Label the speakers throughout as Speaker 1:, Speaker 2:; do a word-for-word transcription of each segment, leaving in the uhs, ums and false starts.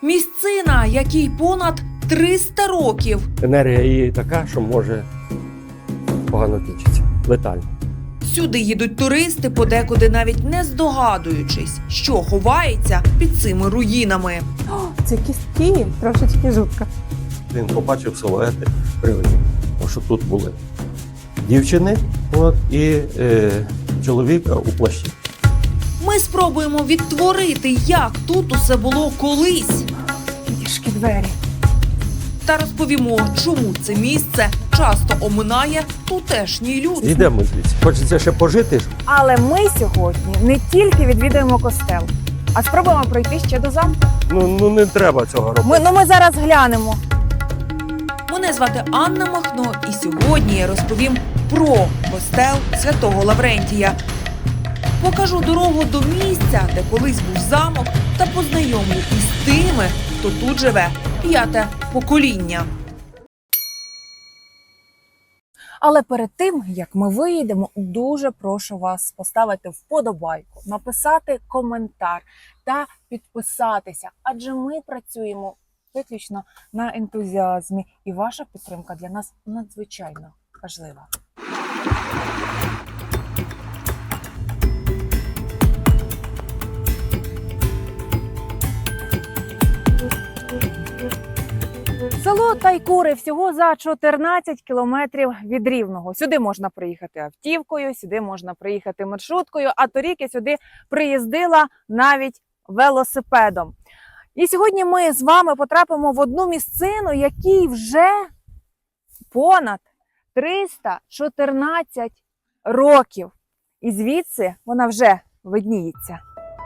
Speaker 1: Місцина, якій понад триста років.
Speaker 2: Енергія її така, що може погано кінчитися. Летально.
Speaker 1: Сюди їдуть туристи, подекуди навіть не здогадуючись, що ховається під цими руїнами.
Speaker 3: О, це кістки, трошечки жутко.
Speaker 2: Він побачив силуети привидів, що тут були дівчини от, і е, чоловіка у плащі.
Speaker 1: Ми спробуємо відтворити, як тут усе було колись.
Speaker 3: Тішки двері.
Speaker 1: Та розповімо, чому це місце часто оминає тутешній люд.
Speaker 2: Йдемо звідси. Хочеться ще пожити.
Speaker 3: Але ми сьогодні не тільки відвідуємо костел, а спробуємо пройти ще до замку.
Speaker 2: Ну, ну не треба цього робити.
Speaker 3: Ми, ну ми зараз глянемо.
Speaker 1: Мене звати Анна Махно, і сьогодні я розповім про костел Святого Лаврентія. Покажу дорогу до місця, де колись був замок, та познайомлю із тими, хто тут живе п'яте покоління.
Speaker 3: Але перед тим, як ми виїдемо, дуже прошу вас поставити вподобайку, написати коментар та підписатися, адже ми працюємо виключно на ентузіазмі, і ваша підтримка для нас надзвичайно важлива. Село Тайкури всього за чотирнадцять кілометрів від Рівного. Сюди можна приїхати автівкою, сюди можна приїхати маршруткою, а торік я сюди приїздила навіть велосипедом. І сьогодні ми з вами потрапимо в одну місцину, якій вже понад триста чотирнадцять років. І звідси вона вже видніється.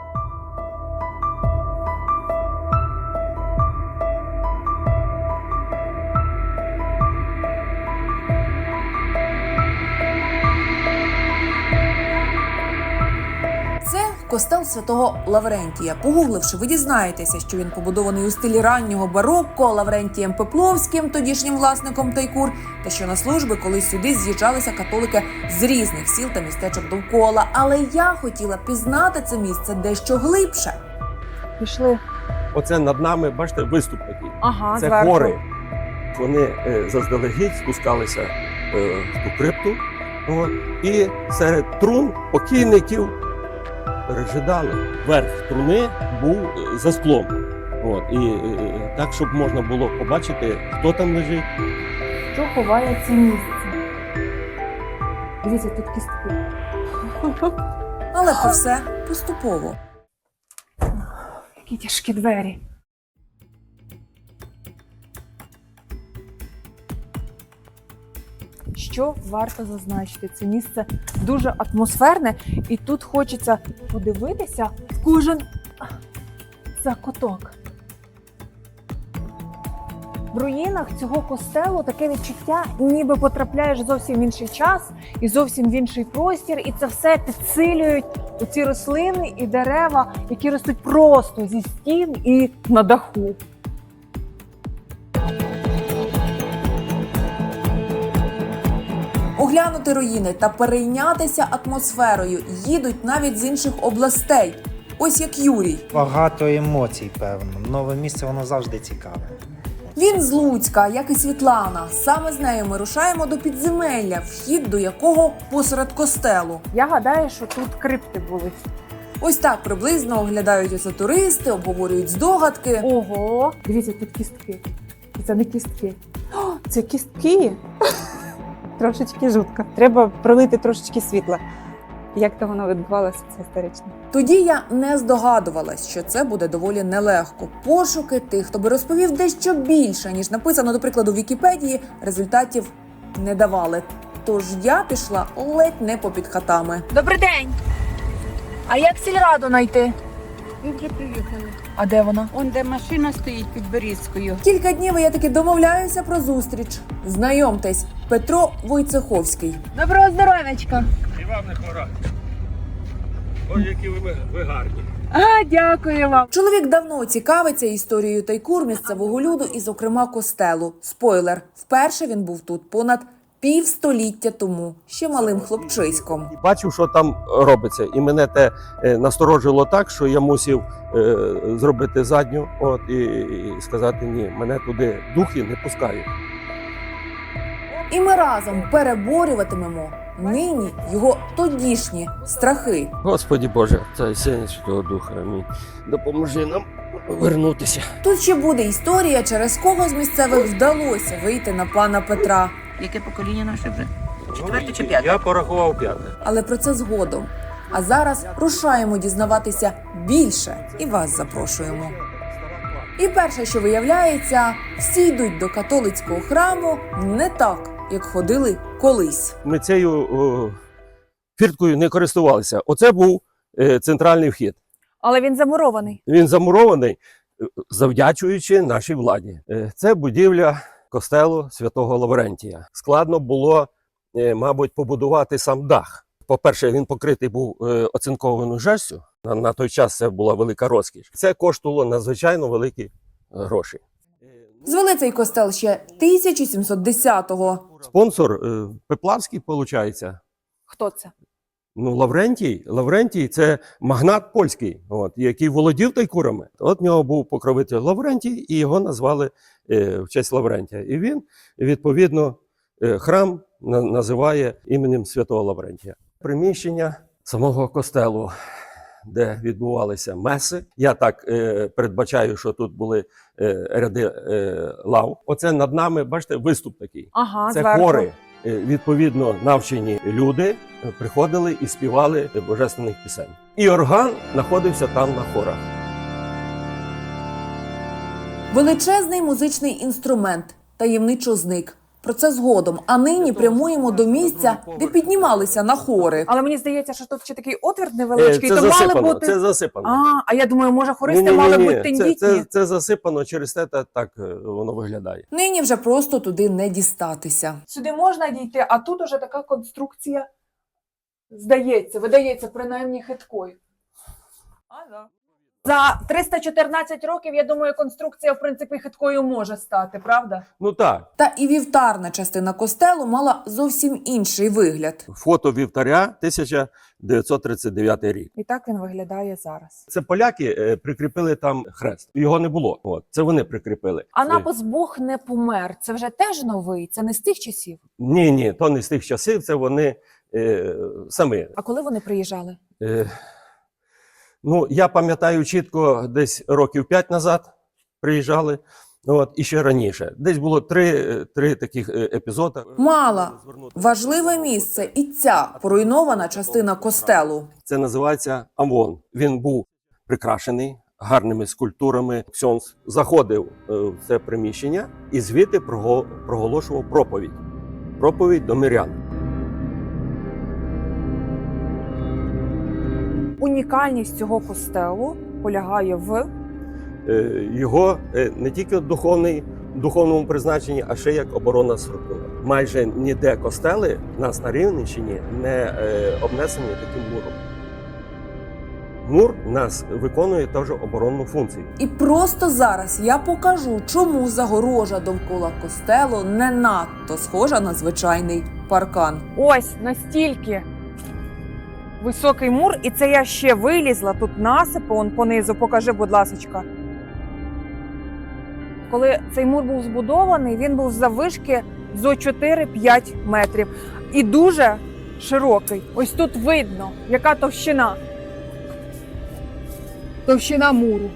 Speaker 1: Це костел Святого Лаврентія. Погугливши, ви дізнаєтеся, що він побудований у стилі раннього барокко Лаврентієм Пепловським, тодішнім власником Тайкур, та що на служби колись сюди з'їжджалися католики з різних сіл та містечок довкола. Але я хотіла пізнати це місце дещо глибше.
Speaker 3: Пішли.
Speaker 2: Оце над нами, бачите, виступ такий.
Speaker 3: Ага,
Speaker 2: Це
Speaker 3: зверху.
Speaker 2: хори. Вони е, заздалегідь спускалися е, в ту крипту. От, і серед трун покійників пережидали. Верх труни був е, за склом. От, і е, так, щоб можна було побачити, хто там лежить.
Speaker 3: Що ховає це місце? Дивіться, тут кістки.
Speaker 1: Але про все поступово.
Speaker 3: Які тяжкі двері. Що варто зазначити? Це місце дуже атмосферне, і тут хочеться подивитися в кожен закуток. В руїнах цього костелу таке відчуття, ніби потрапляєш зовсім в інший час і зовсім в інший простір, і це все підсилюють оці рослини і дерева, які ростуть просто зі стін і на даху.
Speaker 1: Оглянути руїни та перейнятися атмосферою їдуть навіть з інших областей. Ось як Юрій.
Speaker 4: Багато емоцій, певно. Нове місце, воно завжди цікаве.
Speaker 1: Він з Луцька, як і Світлана. Саме з нею ми рушаємо до підземелля, вхід до якого посеред костелу.
Speaker 3: Я гадаю, що тут крипти були.
Speaker 1: Ось так приблизно оглядають оце туристи, обговорюють здогадки.
Speaker 3: Ого! Дивіться, тут кістки. Це не кістки. О, це кістки! Трошечки жутко. Треба пролити трошечки світла. Як то воно відбувалося, це історично.
Speaker 1: Тоді я не здогадувалась, що це буде доволі нелегко. Пошуки тих, хто би розповів дещо більше, ніж написано, до прикладу, в Вікіпедії, результатів не давали. Тож я пішла ледь не попід хатами.
Speaker 3: Добрий день! А як сільраду знайти?
Speaker 5: Ви вже приїхали.
Speaker 3: А де вона?
Speaker 5: Он де машина стоїть під Берізкою.
Speaker 1: Кілька днів я таки домовляюся про зустріч. Знайомтесь, Петро Войцеховський.
Speaker 3: Доброго здоров'ячка!
Speaker 2: І вам не хвора. Ось які ви, ви гарні.
Speaker 3: А, дякую вам!
Speaker 1: Чоловік давно цікавиться історією Тайкур, місцевого люду і, зокрема, костелу. Спойлер, вперше він був тут понад півстоліття тому, ще малим хлопчиськом.
Speaker 2: І бачив, що там робиться. І мене те е, насторожило так, що я мусив е, зробити задню от, і, і сказати, ні, мене туди духи не пускають.
Speaker 1: І ми разом переборюватимемо нині його тодішні страхи.
Speaker 2: Господі Боже, Царя Сина Святого Духа, амінь. Допоможи нам вернутися.
Speaker 1: Тут ще буде історія, через кого з місцевих вдалося вийти на пана Петра.
Speaker 6: Яке покоління наше вже? Четверте чи п'яте?
Speaker 2: Я порахував п'яте.
Speaker 1: Але про це згодом. А зараз рушаємо дізнаватися більше і вас запрошуємо. І перше, що виявляється, всі йдуть до католицького храму не так, як ходили колись.
Speaker 2: Ми цією о, фірткою не користувалися. Оце був е, центральний вхід.
Speaker 3: Але він замурований.
Speaker 2: Він замурований, е, завдячуючи нашій владі. Е, Це будівля костелу Святого Лаврентія. Складно було, е, мабуть, побудувати сам дах. По-перше, він покритий був е, оцинкованою жерстю. На, на той час це була велика розкіш. Це коштувало надзвичайно великі е, гроші.
Speaker 1: Звели цей костел ще тисяча сімсот десятого.
Speaker 2: Спонсор е, Пеплавський, виходить.
Speaker 3: Хто це?
Speaker 2: Ну, Лаврентій, Лаврентій – це магнат польський, от, який володів тайкурами. От в нього був покровитель Лаврентій, і його назвали е, в честь Лаврентія. І він, відповідно, е, храм на, називає іменем Святого Лаврентія. Приміщення самого костелу, де відбувалися меси. Я так е, передбачаю, що тут були е, ряди е, лав. Оце над нами, бачите, виступ такий.
Speaker 3: Ага,
Speaker 2: Це
Speaker 3: зверху.
Speaker 2: хори. Е, Відповідно, навчені люди е, приходили і співали божественних пісень. І орган знаходився там на хорах.
Speaker 1: Величезний музичний інструмент таємничо зник. Про це згодом. А нині прямуємо до місця, де піднімалися на хори.
Speaker 3: Але мені здається, що тут ще такий отвір невеличкий,
Speaker 2: Е, Це
Speaker 3: то мали
Speaker 2: засипано,
Speaker 3: бути.
Speaker 2: це засипано.
Speaker 3: А, а я думаю, може, хористи
Speaker 2: Ні-ні-ні,
Speaker 3: мали бути
Speaker 2: це,
Speaker 3: тендітні.
Speaker 2: це, це засипано, через те та- так е, воно виглядає.
Speaker 1: Нині вже просто туди не дістатися.
Speaker 3: Сюди можна дійти, а тут уже така конструкція, здається, видається принаймні хиткою. А, да. За триста чотирнадцять років, я думаю, конструкція, в принципі, хиткою може стати, правда?
Speaker 2: Ну так,
Speaker 1: Та і вівтарна частина костелу мала зовсім інший вигляд.
Speaker 2: фото вівтаря тисяча дев'ятсот тридцять дев'ятий рік.
Speaker 3: І так він виглядає зараз.
Speaker 2: Це поляки е, прикріпили там хрест. Його не було. От, це вони прикріпили.
Speaker 3: А напис «Бог не помер» – це вже теж новий? Це не з тих часів?
Speaker 2: Ні, ні, то не з тих часів, це вони е, самі.
Speaker 3: А коли вони приїжджали?
Speaker 2: Е, ну, я пам'ятаю чітко, десь років п'ять назад приїжджали, от, і ще раніше. Десь було три, три таких е, епізоди.
Speaker 1: Мала важливе місце і ця поруйнована частина костелу.
Speaker 2: Це називається Амвон. Він був прикрашений гарними скульптурами. Ксьонс заходив е, в це приміщення і звідти прого- проголошував проповідь. Проповідь до мирян.
Speaker 3: Унікальність цього костелу полягає в
Speaker 2: Е, Його е, не тільки духовний, духовному призначенні, а ще як оборонна структура. Майже ніде костели в нас на Рівненщині не е, обнесені таким муром. Мур у нас виконує теж оборонну функцію.
Speaker 1: І просто зараз я покажу, чому загорожа довкола костелу не надто схожа на звичайний паркан.
Speaker 3: ось настільки високий мур, і це я ще вилізла, тут насипи, он понизу, покажи, будь ласочка. Коли цей мур був збудований, він був заввишки зо чотири-п'ять метрів. І дуже широкий. Ось тут видно, яка товщина. Товщина муру.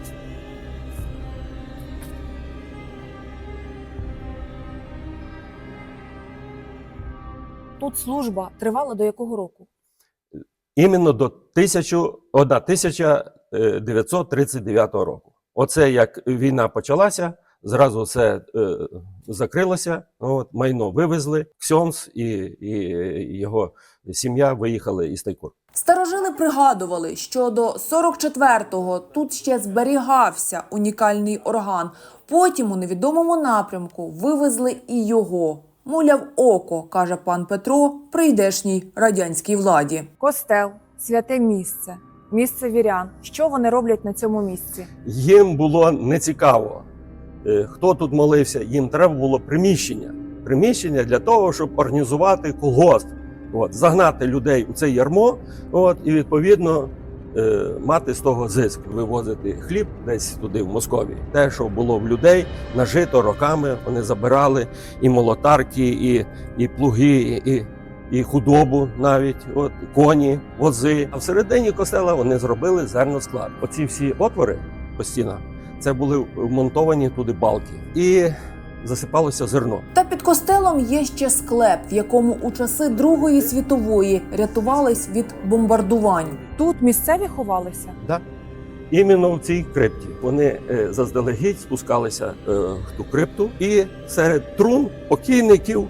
Speaker 3: Тут служба тривала до якого року?
Speaker 2: Іменно до тисяча дев'ятсот тридцять дев'ятого року. Оце як війна почалася, зразу все е, закрилося, от, майно вивезли, Ксьонс і, і його сім'я виїхали із Тайкур.
Speaker 1: Старожили пригадували, що до сорок четвертого тут ще зберігався унікальний орган. Потім у невідомому напрямку вивезли і його. Муляв око, каже пан Петро, прийдешній радянській владі.
Speaker 3: Костел, святе місце, місце вірян. Що вони роблять на цьому місці?
Speaker 2: Їм було нецікаво, е, хто тут молився, їм треба було приміщення. приміщення для того, щоб організувати колгосп, от, загнати людей у це ярмо, от, і відповідно е, мати з того зиск, вивозити хліб десь туди, в Московію. Те, що було в людей, нажито роками, вони забирали і молотарки, і, і плуги, і, і худобу навіть, от, коні, вози. А всередині костела вони зробили зерносклад. Оці всі отвори по стінах, це були вмонтовані туди балки. І засипалося зерно.
Speaker 1: Та під костелом є ще склеп, в якому у часи Другої світової рятувались від бомбардувань.
Speaker 3: Тут місцеві ховалися.
Speaker 2: Да. Іменно в цій крипті. Вони е, заздалегідь спускалися е, в ту крипту і серед трун покійників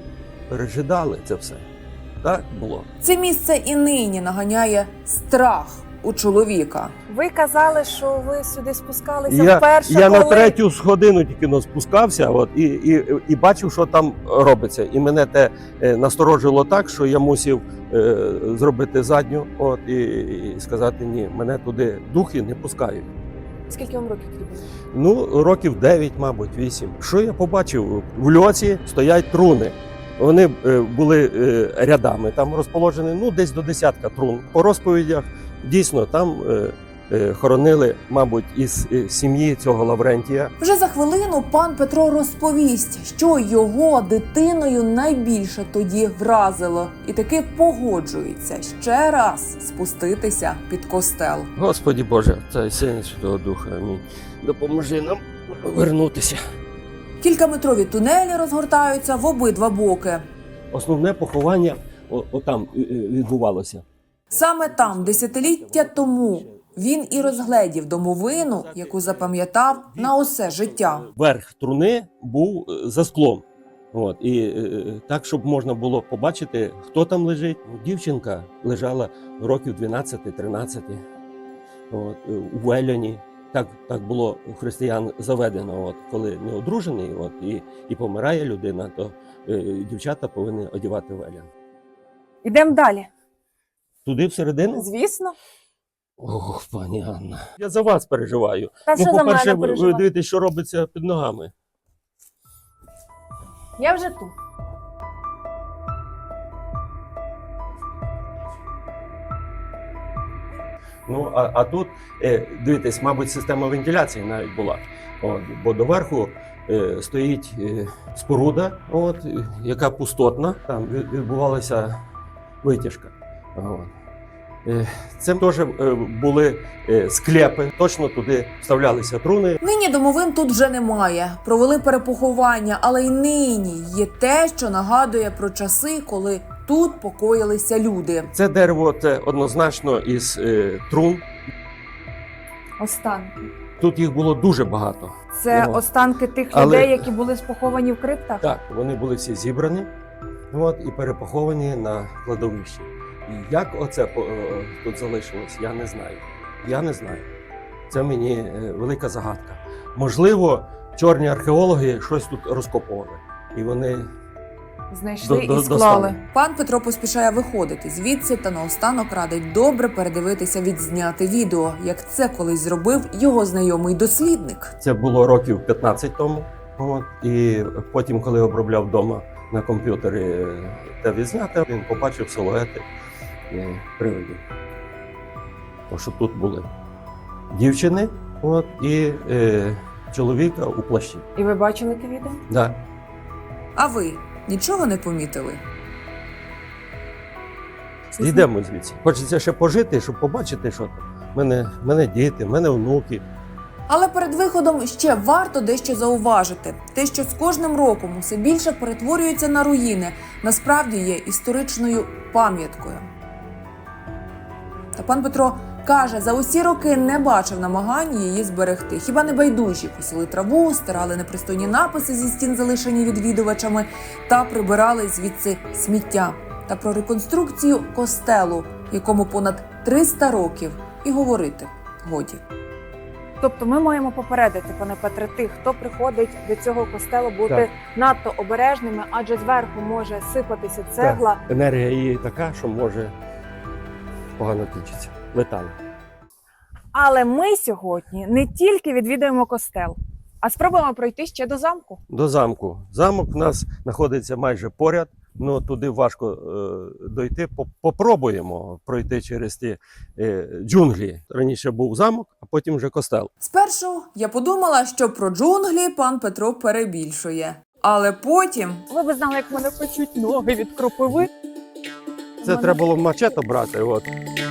Speaker 2: пережидали це все. Так було.
Speaker 1: Це місце і нині наганяє страх у чоловіка.
Speaker 3: Ви казали, що ви сюди спускалися
Speaker 2: Я,
Speaker 3: вперше,
Speaker 2: я
Speaker 3: коли...
Speaker 2: на третю годину тільки но спускався, от, і, і, і бачив, що там робиться. І мене те е, насторожило так, що я мусив е, зробити задню, от, і, і сказати, ні, мене туди духи не пускають.
Speaker 3: Скільки вам років тоді було?
Speaker 2: Ну, років дев'ять, мабуть, вісім. Що я побачив? В льоці стоять труни. Вони е, були е, рядами там розположені, ну, десь до десятка трун. По розповідях, дійсно, там е, е, хоронили, мабуть, із е, сім'ї цього Лаврентія.
Speaker 1: Вже за хвилину пан Петро розповість, що його дитиною найбільше тоді вразило, і таки погоджується ще раз спуститися під костел.
Speaker 2: Господі Боже, Отця Сина і Святого Духа, амінь. Допоможи нам вернутися.
Speaker 1: Кількаметрові тунелі розгортаються в обидва боки.
Speaker 2: Основне поховання о, отам е, е, відбувалося.
Speaker 1: Саме там, десятиліття тому, він і розгледів домовину, яку запам'ятав на усе життя.
Speaker 2: Верх труни був е, за склом. От, і е, так, щоб можна було побачити, хто там лежить. Дівчинка лежала років дванадцять-тринадцять от, е, у Веляні. Так, так було у християн заведено, от, коли не одружений от, і, і помирає людина, то е, дівчата повинні одягати велян.
Speaker 3: Ідемо далі.
Speaker 2: Туди всередину?
Speaker 3: Звісно.
Speaker 2: Ох, пані Анна. Я за вас переживаю.
Speaker 3: Та
Speaker 2: Ну,
Speaker 3: що за
Speaker 2: по-перше,
Speaker 3: мене
Speaker 2: ви, ви
Speaker 3: переживати?
Speaker 2: дивитесь, що робиться під ногами.
Speaker 3: Я вже тут.
Speaker 2: Ну, а, а тут, е, дивитесь, мабуть, система вентиляції навіть була. От, бо доверху е, стоїть е, споруда, от, е, яка пустотна. Там від- відбувалася витяжка. От. Е, це теж е, були е, склепи, точно туди вставлялися труни.
Speaker 1: Нині домовин тут вже немає. Провели перепоховання, але й нині є те, що нагадує про часи, коли тут покоїлися люди.
Speaker 2: Це дерево це однозначно із е, трун.
Speaker 3: Останки.
Speaker 2: Тут їх було дуже багато.
Speaker 3: Це
Speaker 2: Ну,
Speaker 3: останки тих
Speaker 2: але-
Speaker 3: людей, які були поховані в криптах?
Speaker 2: Так, вони були всі зібрані от, і перепоховані на кладовищі. І як оце по- е, тут залишилось, я не знаю. Я не знаю. Це мені е, велика загадка. Можливо, чорні археологи щось тут розкопували. І вони
Speaker 3: Знайшли
Speaker 2: До- до-
Speaker 3: і склали.
Speaker 2: достали.
Speaker 1: Пан Петро поспішає виходити звідси та наостанок радить добре передивитися відзняте відео, як це колись зробив його знайомий дослідник.
Speaker 2: це було років п'ятнадцять тому. От, і потім, коли обробляв вдома на комп'ютері е, те відзняте, він побачив силуети е, привидів. Тому що тут були дівчини от, і е, чоловіка у плащі.
Speaker 3: І ви бачили те відео?
Speaker 2: Да.
Speaker 1: А ви нічого не помітили?
Speaker 2: Йдемо звідси. Хочеться ще пожити, щоб побачити, що там. У мене, в мене діти, в мене внуки.
Speaker 1: Але перед виходом ще варто дещо зауважити. Те, що з кожним роком усе більше перетворюється на руїни, насправді є історичною пам'яткою. Та пан Петро каже, за усі роки не бачив намагань її зберегти. Хіба не байдужі косили траву, стирали непристойні написи зі стін, залишені відвідувачами, та прибирали звідси сміття. Та про реконструкцію костелу, якому понад триста років, і говорити годі.
Speaker 3: Тобто ми маємо попередити, пане Петре, тих, хто приходить до цього костелу, бути
Speaker 2: Так.
Speaker 3: надто обережними, адже зверху може сипатися цегла.
Speaker 2: Енергія її така, що може погано кінчитися. Летально.
Speaker 3: Але ми сьогодні не тільки відвідуємо костел, А спробуємо пройти ще до замку.
Speaker 2: До замку. Замок у нас знаходиться майже поряд. Ну, туди важко е, дойти. По- Попробуємо пройти через ті е, джунглі. Раніше був замок, а потім вже костел.
Speaker 1: Спершу я подумала, що про джунглі пан Петро перебільшує. Але потім
Speaker 3: Ви б знали, як мене печуть ноги від кропиви.
Speaker 2: Це треба було мачете брати. От.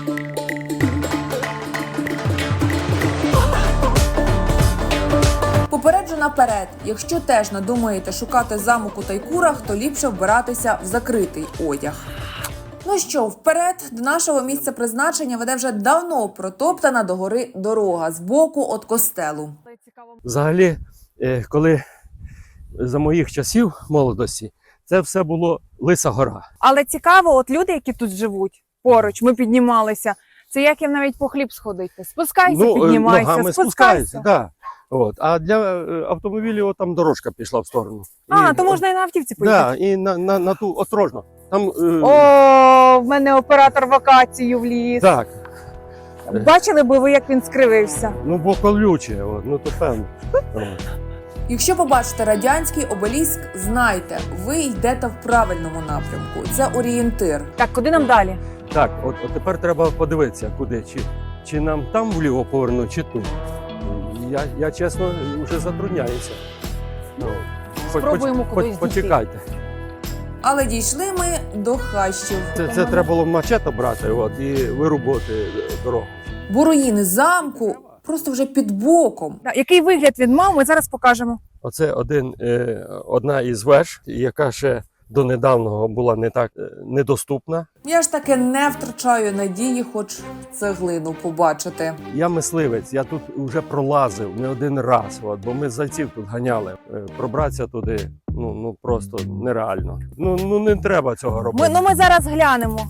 Speaker 1: попереджу наперед, якщо теж надумаєте шукати замок у Тайкурах, то ліпше вбиратися в закритий одяг. Ну що, вперед, до нашого місця призначення веде вже давно протоптана до гори дорога з боку від костелу.
Speaker 2: Взагалі, е, коли за моїх часів молодості, це все було Лиса гора.
Speaker 3: Але цікаво, от люди, які тут живуть поруч, ми піднімалися. Це як їм навіть по хліб сходити. Спускайся,
Speaker 2: е,
Speaker 3: піднімайся,
Speaker 2: ногами
Speaker 3: спускайся.
Speaker 2: спускаються, да. От. А для е, автомобілів от там дорожка пішла в сторону.
Speaker 3: А,
Speaker 2: І-
Speaker 3: то можна і на автівці поїхати.
Speaker 2: Да, і на, на, на ту осторожно. Там, е,
Speaker 3: О, в мене оператор вакацію вліз.
Speaker 2: Так,
Speaker 3: Бачили би ви, як він скривився?
Speaker 2: ну бо колюче, от, ну то певно. От.
Speaker 1: Якщо побачите радянський обеліск, знайте, ви йдете в правильному напрямку. Це орієнтир.
Speaker 3: Так, куди нам далі?
Speaker 2: Так, от, от тепер треба подивитися, куди. Чи, чи нам там вліво повернути, чи тут. Я, я чесно, вже затрудняюся. Ну, хоч-
Speaker 3: Спробуємо
Speaker 2: хоч-
Speaker 3: кудись
Speaker 2: хоч-
Speaker 3: дійти.
Speaker 2: Почекайте.
Speaker 1: Але дійшли ми до хащів.
Speaker 2: Це, це треба було мачете брати от, і вирубувати дорогу.
Speaker 1: Бо руїни замку просто вже під боком.
Speaker 3: Так, який вигляд він мав, ми зараз покажемо.
Speaker 2: Оце один, е, одна із веж, яка ще до недавнього була не так е, недоступна.
Speaker 1: Я ж таки не втрачаю надії, хоч цеглину побачити.
Speaker 2: Я мисливець, я тут вже пролазив не один раз, от, бо ми зайців тут ганяли. Е, Пробратися туди ну, ну просто нереально. Ну, ну не треба цього робити.
Speaker 3: Ми, ну ми зараз глянемо.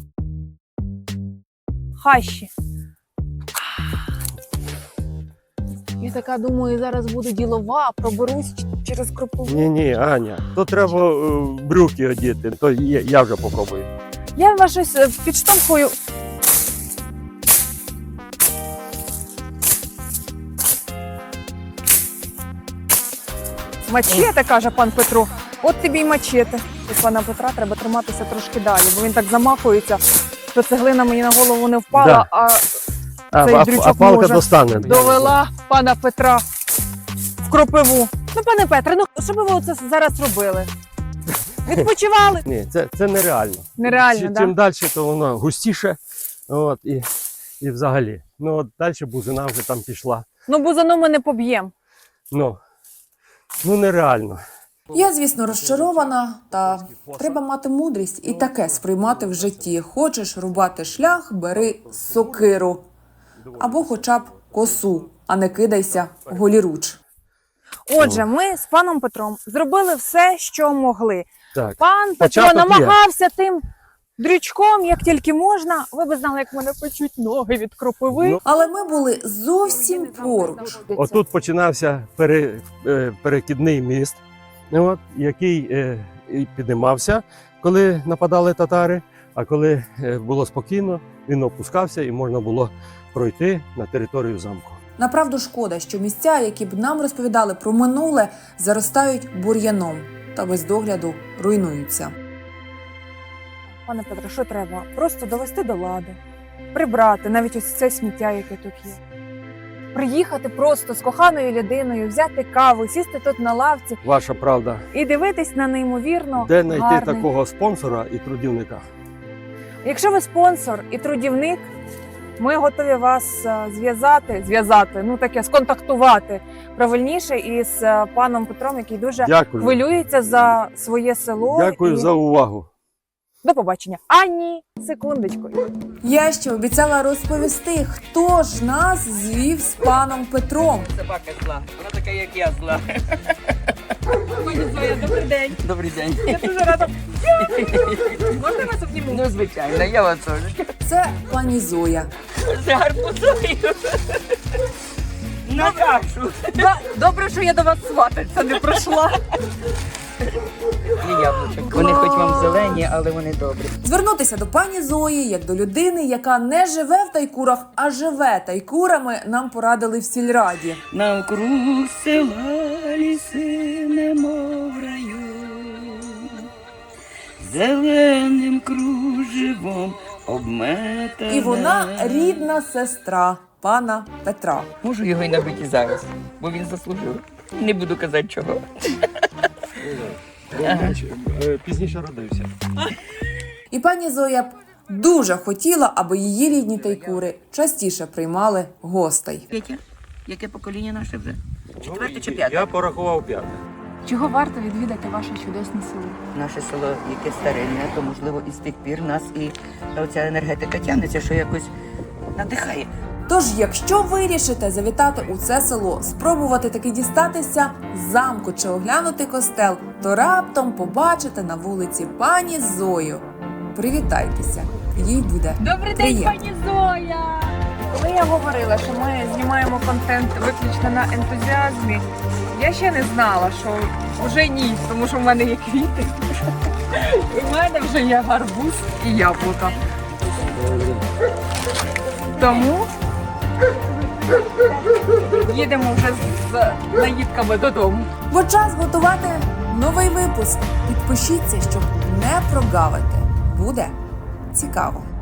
Speaker 3: Хащі. Я така думаю, зараз буду ділова, проберусь ч- через кропиву.
Speaker 2: Ні, ні, Аня, то треба е, брюки одіти, то я, я вже попробую.
Speaker 3: Я вас щось е, підштовхую. Мачете, каже пан Петро. От тобі й мачете. І пана Петра треба триматися трошки далі, бо він так замахується, що цеглина мені на голову не впала,
Speaker 2: Да.
Speaker 3: а
Speaker 2: А,
Speaker 3: Цей
Speaker 2: а,
Speaker 3: дрючок
Speaker 2: а палка
Speaker 3: може.
Speaker 2: достане.
Speaker 3: довела пана Петра в кропиву. Ну, пане Петре, ну що би ви оце зараз робили? Відпочивали?
Speaker 2: Ні, це, це нереально.
Speaker 3: Нереально,
Speaker 2: Чим,
Speaker 3: да?
Speaker 2: чим далі, то воно густіше. От, і, і взагалі. Ну, от далі бузина вже там пішла.
Speaker 3: Ну, бузану ми не поб'ємо.
Speaker 2: Ну, ну нереально.
Speaker 1: Я, звісно, розчарована, та треба мати мудрість і таке сприймати в житті. Хочеш рубати шлях, бери сокиру. Або хоча б косу, а не кидайся голіруч.
Speaker 3: Отже, ми з паном Петром зробили все, що могли.
Speaker 2: Так.
Speaker 3: Пан Петро
Speaker 2: Початок є.
Speaker 3: намагався тим дрючком, як тільки можна. Ви б знали, як мене печуть ноги від кропиви.
Speaker 2: Ну,
Speaker 1: Але ми були зовсім поруч.
Speaker 2: Отут починався пере, е, перекидний міст, от, який е, і піднімався, коли нападали татари. А коли е, було спокійно, він опускався і можна було пройти на територію замку.
Speaker 1: Направду шкода, що місця, які б нам розповідали про минуле, заростають бур'яном та без догляду руйнуються.
Speaker 3: Пане Петро, що треба? Просто довести до лади, прибрати навіть ось це сміття, яке тут є. Приїхати просто з коханою людиною, взяти каву, сісти тут на лавці
Speaker 2: Ваша правда,
Speaker 3: і дивитись на неймовірно
Speaker 2: де знайти
Speaker 3: гарний.
Speaker 2: такого спонсора і трудівника?
Speaker 3: Якщо ви спонсор і трудівник, ми готові вас е, зв'язати, зв'язати, ну таке, сконтактувати правильніше із е, паном Петром, який дуже
Speaker 2: Дякую.
Speaker 3: хвилюється за своє село.
Speaker 2: Дякую
Speaker 3: і...
Speaker 2: за увагу.
Speaker 3: До побачення. А ні, секундочку.
Speaker 1: Я ще обіцяла розповісти, хто ж нас звів з паном Петром.
Speaker 6: Собака зла. Вона така, як я зла.
Speaker 3: Пані Зоя, добрий день.
Speaker 6: Добрий день.
Speaker 3: Я дуже рада. Можна вас обніму?
Speaker 6: Ну, звичайно, я вас теж.
Speaker 1: Це пані Зоя.
Speaker 6: З гарбузою. На кашу.
Speaker 3: Добре, що я до вас свататься не прийшла.
Speaker 6: І яблучок. Вони хоч вам зелені, але вони добрі.
Speaker 1: Звернутися до пані Зої, як до людини, яка не живе в Тайкурах, а живе Тайкурами, нам порадили в сільраді.
Speaker 6: Навкруг села
Speaker 7: ліси, немов в раю, зеленим кружевом обметане.
Speaker 1: І вона рідна сестра пана Петра.
Speaker 6: Можу його й набити зараз, бо він заслужив. Не буду казати чого.
Speaker 2: Пізніше родився.
Speaker 1: І пані Зоя б дуже хотіла, аби її рідні тайкури частіше приймали гостей.
Speaker 6: Петя, яке покоління наше вже? Четверте чи п'яте?
Speaker 2: Я порахував п'яте.
Speaker 3: Чого варто відвідати ваше чудесне село?
Speaker 6: Наше село, яке старинне, то можливо і з тих пір нас і оця енергетика тягнеться, що якось надихає.
Speaker 1: Тож, якщо вирішите завітати у це село, спробувати таки дістатися з замку чи оглянути костел, то раптом побачите на вулиці пані Зою. Привітайтеся, їй буде
Speaker 3: Добрий
Speaker 1: приємно.
Speaker 3: день, пані Зоя! Коли я говорила, що ми знімаємо контент виключно на ентузіазмі, я ще не знала, що вже ні, тому що в мене є квіти. І в мене вже є гарбуз і яблука. Тому їдемо вже з наїдками додому.
Speaker 1: Бо час готувати новий випуск. Підпишіться, щоб не прогавити. Буде цікаво.